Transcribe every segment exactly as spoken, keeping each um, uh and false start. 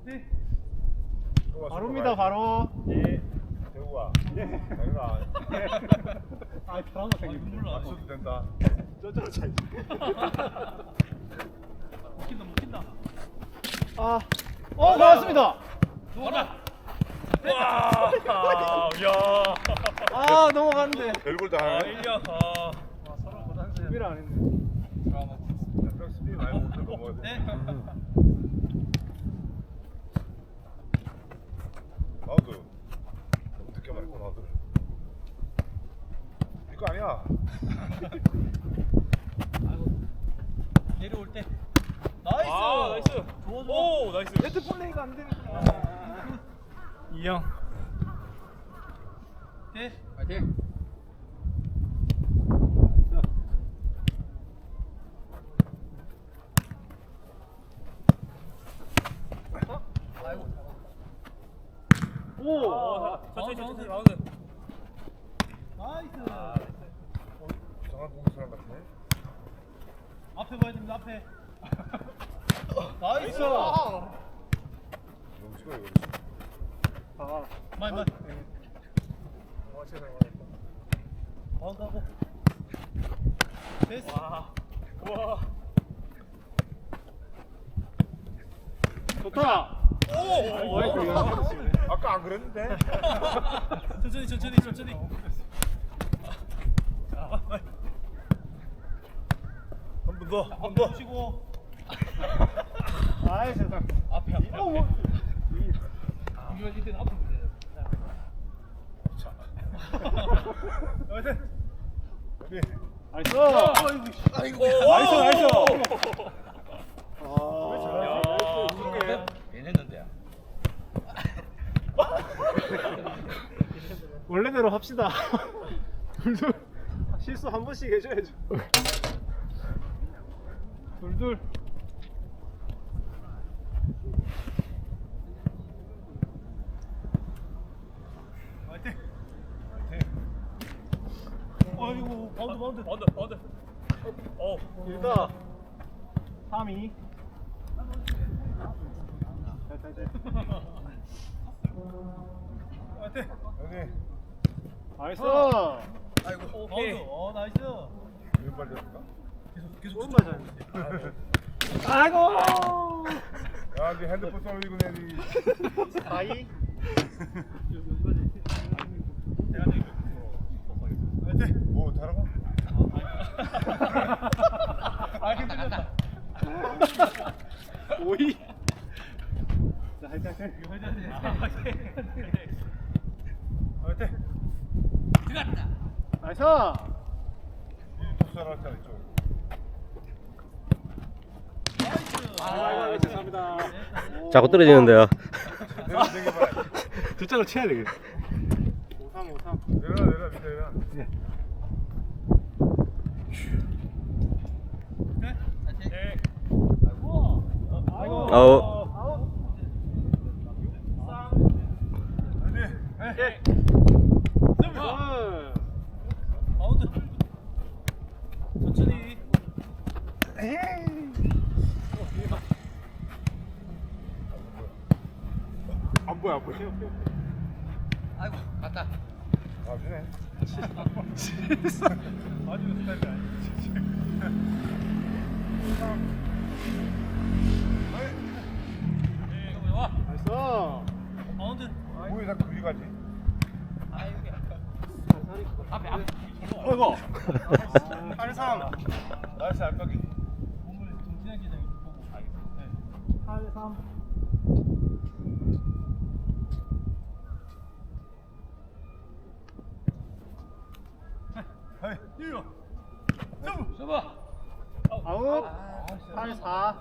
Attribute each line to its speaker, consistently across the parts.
Speaker 1: 화이팅!
Speaker 2: 바로입니다, 바로.
Speaker 3: 예. 대우아.
Speaker 2: 예.
Speaker 3: 내가
Speaker 2: 아, 드라마 생겼네.
Speaker 3: 안 써도 된다.
Speaker 2: 저쪽으로 차지.
Speaker 1: 먹힌다 먹힌다.
Speaker 2: 아, 어, 나왔습니다.
Speaker 1: 가라.
Speaker 3: 와. 야.
Speaker 2: 아, 넘어갔는데.
Speaker 3: 별걸 다
Speaker 1: 아
Speaker 3: 하네.
Speaker 1: 일려. 아 서로 고단수야.
Speaker 2: 준비를 안 했네.
Speaker 3: 딱 스피드 많이 못할 거 먹어야 돼.
Speaker 1: 네.
Speaker 3: 나도 어떻게 말했고 나도. 이거 아니야.
Speaker 1: 내려올 때. 나이스.
Speaker 4: 아, 나이스.
Speaker 1: 좋아 좋아.
Speaker 4: 오, 나이스.
Speaker 2: 네트 플레이가 안 되는구나.
Speaker 4: 이형.
Speaker 1: 네.
Speaker 4: 파이팅.
Speaker 2: 오.
Speaker 4: 어, 천천히
Speaker 1: 바운드,
Speaker 4: 천천히
Speaker 1: 바운드.
Speaker 4: 바운드.
Speaker 1: 나이스.
Speaker 3: 이상한 공기 사람 같네.
Speaker 1: 앞에 봐야 됩니다 앞에. 나이스.
Speaker 3: 너무 싫어 이거.
Speaker 2: 아,
Speaker 1: 마이 마이.
Speaker 3: 아 세상에.
Speaker 1: 바운드 하고. 됐어.
Speaker 4: 와. 와.
Speaker 2: 좋다.
Speaker 4: 오.
Speaker 2: 아이고, 이거 치네.
Speaker 3: 아까 안 그랬는데.
Speaker 1: 천천히 천천히 천천히.
Speaker 3: 한 번 더. 한 번
Speaker 1: 앞에
Speaker 3: 더.
Speaker 1: 치고.
Speaker 2: 아이, 세상.
Speaker 1: 앞에 앞에.
Speaker 2: 어, 뭐.
Speaker 1: 이거 이때는 앞으로 보세요.
Speaker 3: 자.
Speaker 1: 화이팅.
Speaker 3: 여기.
Speaker 2: 나이스.
Speaker 3: 아이고.
Speaker 2: 나이스, 나이스.
Speaker 3: 왜
Speaker 2: 아,
Speaker 3: 잘하지?
Speaker 4: 야. 괜했는데.
Speaker 2: 원래대로 합시다. 둘둘 실수 한 번씩 해줘야죠. 둘둘.
Speaker 1: 화이팅.
Speaker 3: 화이팅.
Speaker 1: 아이고 바운드 바운드.
Speaker 4: 바운드, 바운드. 어.
Speaker 2: 일다. 삼, 이. 잘, 잘, 잘.
Speaker 1: 화이팅.
Speaker 3: 여기.
Speaker 2: 나이스.
Speaker 1: 아이고 바운드. 어 나이스.
Speaker 3: 왼발 잡을까?
Speaker 1: 계속 계속
Speaker 2: 오른발 잘. 아이고.
Speaker 3: 야, 네 핸드폰 쏘이고 내리.
Speaker 2: 사, 이.
Speaker 1: 화이팅.
Speaker 3: 뭐 다른 거?
Speaker 1: 아 힘들었다.
Speaker 2: 오, 이. 자, 화이팅, 화이팅.
Speaker 1: 화이팅. 화이팅. 들어갔다.
Speaker 2: 나이스.
Speaker 3: 토스를 할때 있죠.
Speaker 2: 아이고, 죄송합니다.
Speaker 5: 자꾸 떨어지는데요.
Speaker 3: 내려 내려 봐라.
Speaker 2: 저쪽으로 쳐야 되겠네. 오삼, 오삼.
Speaker 3: 내려 내려 밑에 내려.
Speaker 1: 네.
Speaker 4: 네.
Speaker 1: 아이고.
Speaker 5: 아웃.
Speaker 3: 화이팅.
Speaker 1: 네.
Speaker 2: 둘.
Speaker 1: 바운드. 천천히.
Speaker 2: 안 보여, 안 보여.
Speaker 4: 아이고, 갔다.
Speaker 3: 아, 주네.
Speaker 1: 아주 스타일이 아니지. 네, 이거 와.
Speaker 2: 나이스.
Speaker 1: 바운드.
Speaker 3: 뭐에 다 그리 가지?
Speaker 1: 앞에 앞에.
Speaker 2: 어이구.
Speaker 3: 팔 삼. 나이스 알까기.
Speaker 1: 몸을 정진하게 그냥 보고. 네.
Speaker 2: 팔, 삼.
Speaker 3: 하이.
Speaker 1: 이리와. 서브. 서브.
Speaker 2: 아웃. 팔, 사.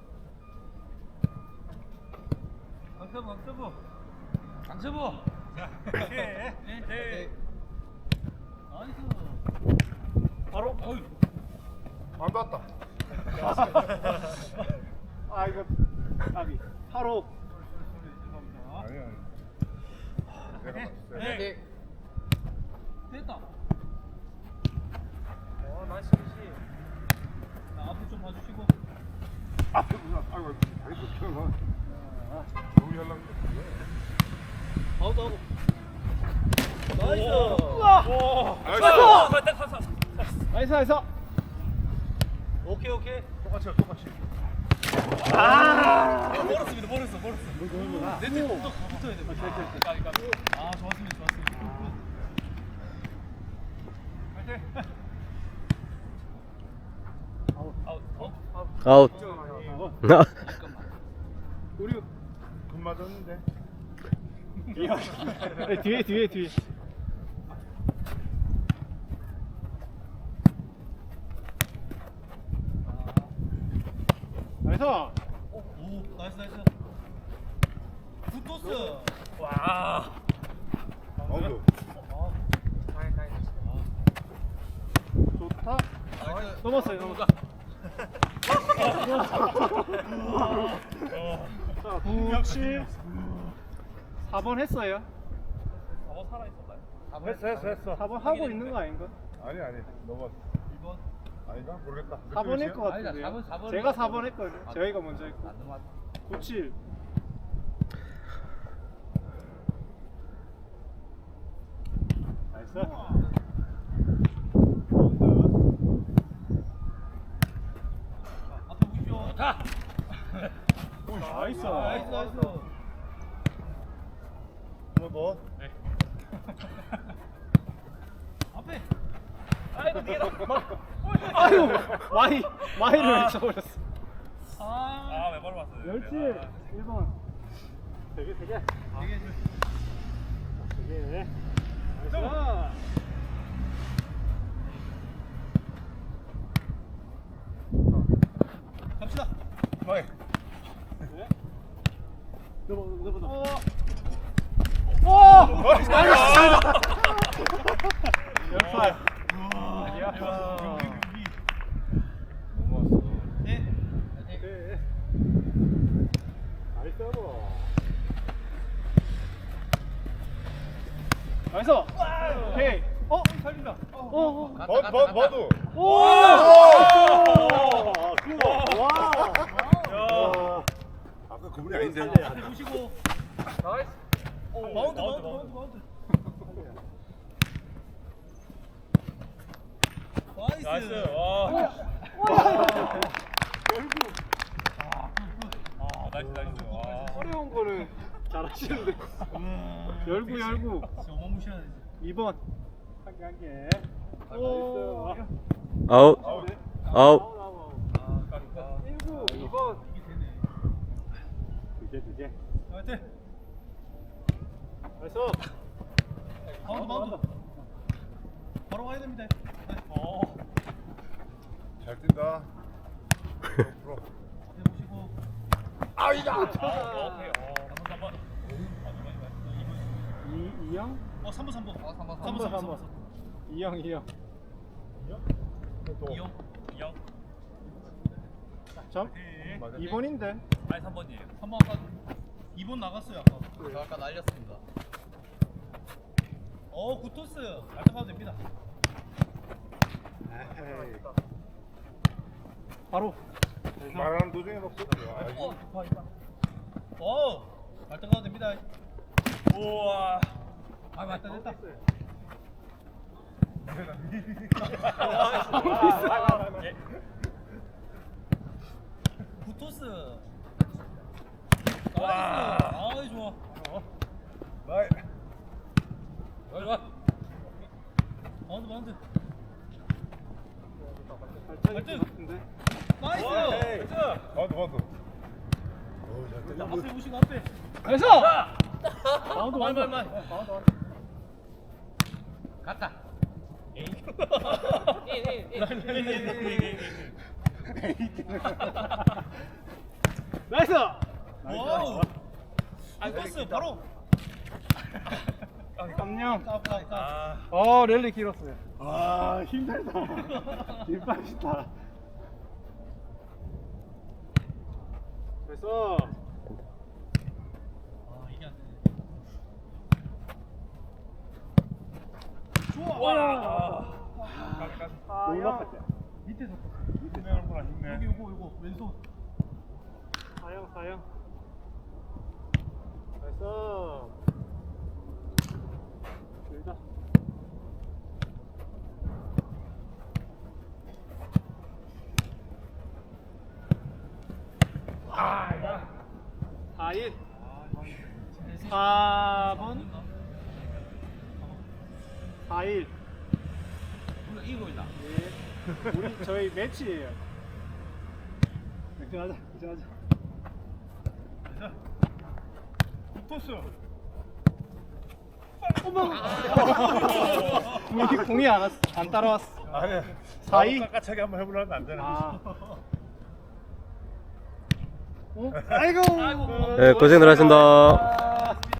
Speaker 1: 강서부 강서부. 강서부. 자. 네. 네. 나이스.
Speaker 2: 바로.
Speaker 1: 어이.
Speaker 3: 안 닿았다.
Speaker 2: 아, 이거. 아비. 팔, 오.
Speaker 1: 죄송합니다.
Speaker 3: 아니 아니. 내가 봤을 때.
Speaker 1: 네. 됐다.
Speaker 4: 어, 나이스.
Speaker 1: 자, 앞으로 좀 봐주시고.
Speaker 3: 앞에 무슨 아이고 다리 또 튀어나. 여기
Speaker 1: 아웃. 나이스.
Speaker 2: 우와. 나이스 나이스.
Speaker 1: 오케이 오케이.
Speaker 3: 똑같이 똑같이.
Speaker 2: 아.
Speaker 1: 멀었습니다. 멀었어 멀었어. 네트 좀 더 붙어야 돼. 아 좋았습니다 좋았습니다. 아웃 아웃 아웃.
Speaker 5: 아웃.
Speaker 2: 우리
Speaker 3: 금 맞았는데.
Speaker 2: 아니, 뒤에 뒤에 뒤에. 나이스.
Speaker 1: 오 나이스 나이스. 굿토스. 와.
Speaker 3: 아웃.
Speaker 2: 좋다. 넘었어요 넘었어. 자, 구, 칠, 사 번 했어요.
Speaker 1: 어 살아 있었나요?
Speaker 3: 했어 했어 했어.
Speaker 2: 사 번 하고 있는 거 아닌가?
Speaker 3: 아니 아니 넘어.
Speaker 1: 일 번.
Speaker 3: 아닌가 모르겠다.
Speaker 2: 사 번 할 것
Speaker 4: 아니다,
Speaker 2: 같은데요.
Speaker 4: 사 번, 사 번
Speaker 2: 제가
Speaker 4: 했어.
Speaker 2: 사 번 했거든요. 저희가 먼저 했고.
Speaker 4: 안 넘어왔어.
Speaker 2: 구, 칠. 나이스.
Speaker 1: 앞에 보십시오. 자.
Speaker 2: 나이스.
Speaker 1: 나이스 나이스.
Speaker 3: 뭐 너?
Speaker 1: 앞에. 아이고 뒤에다.
Speaker 2: 아유, 마이 마이를 외쳐버렸어.
Speaker 1: 아. 아왜 바로 왔어요?
Speaker 2: 열칠, 일 번. 세 개, 세 개.
Speaker 1: 되게
Speaker 2: 세 개. 나이스.
Speaker 1: 갑시다.
Speaker 3: 마이.
Speaker 2: 넘어, 넘어, 넘어.
Speaker 1: 오.
Speaker 2: 오! 나이스! 열팔. 이야.
Speaker 3: 넘어왔어.
Speaker 1: 네.
Speaker 2: 네. 나이스. 나이스. 오케이. 어, 살린다. 어, 어.
Speaker 4: 갔다,
Speaker 3: 버
Speaker 4: 갔다,
Speaker 3: 버
Speaker 4: 갔다.
Speaker 3: 버도.
Speaker 2: 오! 와! 와!
Speaker 3: 아까 그분이 아닌데.
Speaker 1: 앞에 보시고. 나이스. 오, 마운드 마운드 마운드 마운드. 나이스. 나이스. 와. 아, 나이스 나이스. 와.
Speaker 2: 어려운 거는 잘하시는데. 열구, 열구.
Speaker 1: 진짜 어마무시하네.
Speaker 2: 이 번. 한 개, 한 개. 오.
Speaker 5: 아웃.
Speaker 3: 아웃.
Speaker 5: 아웃.
Speaker 1: 아, 까리까.
Speaker 2: 일구, 이 번.
Speaker 1: 이게 되네.
Speaker 2: 두 개, 두 개.
Speaker 1: 나이스.
Speaker 2: 나이스.
Speaker 1: 마운드 마운드. 바로 가야 됩니다. 네. 어.
Speaker 3: 잘 뛴다. 프로.
Speaker 1: 앞에 보시고.
Speaker 3: 아이다.
Speaker 1: 아, 오케이. 어, 삼 번, 삼 번.
Speaker 2: 이, 이형?
Speaker 1: 어, 삼 번, 삼 번.
Speaker 4: 어, 삼 번,
Speaker 1: 삼 번, 삼 번.
Speaker 2: 이형, 이형.
Speaker 3: 또.
Speaker 1: 이형, 이형.
Speaker 2: 점?
Speaker 3: 맞아.
Speaker 2: 이 번인데.
Speaker 1: 아니 삼 번이에요. 삼 번 아까 이 번 나갔어요 아까.
Speaker 4: 저 아까 날렸습니다.
Speaker 1: 어, 굿토스. 알타가도 됩니다.
Speaker 2: 에헤이. 바로.
Speaker 3: 말하는 도중에 막 쏘지. 아, 이거.
Speaker 1: 어, 이파 이파. 어, 알타가도 됩니다. 우와. 아, 맞다 됐다. 예. 굿토스. 나이스. 아이 좋아.
Speaker 3: 마이.
Speaker 1: 좋아 좋아. 마운드 마운드.
Speaker 2: 발전이 같은데.
Speaker 1: 나이스.
Speaker 3: 맞아 맞아. 어우 잘 뛴다.
Speaker 1: 앞에 보시고 앞에.
Speaker 2: 나이스! 마운드, 마운드.
Speaker 1: 말, 말, 말.
Speaker 2: 마운드, 마운드.
Speaker 4: 갔다.
Speaker 2: 나이스!
Speaker 1: 와우. 굿토스 바로.
Speaker 2: 깜냥.
Speaker 1: 깝깝 깝.
Speaker 2: 어, 랠리 길었어요. 아, 힘들다. 힘 빠지다. 그래서
Speaker 1: 아 이게 안 되네. 좋아. 와.
Speaker 2: 아, 형.
Speaker 1: 밑에 섰다.
Speaker 3: 밑에 내는구나 힘내.
Speaker 1: 여기 요거 요거 왼손.
Speaker 2: 사형, 사형. 그래서 사 일. 사 번. 사 일.
Speaker 4: 우리가 이기고 있나?
Speaker 2: 예. 우리 저희 매치예요. 맥주하자. 맥주하자.
Speaker 3: 토스.
Speaker 2: 공이 공이 안 왔어. 안 따라왔어.
Speaker 3: 아니.
Speaker 2: 사 이?
Speaker 3: 깎아차게 한번 해보려면 안 되나?
Speaker 2: 아. 어? 아이고.
Speaker 5: 네, 고생들 하셨습니다.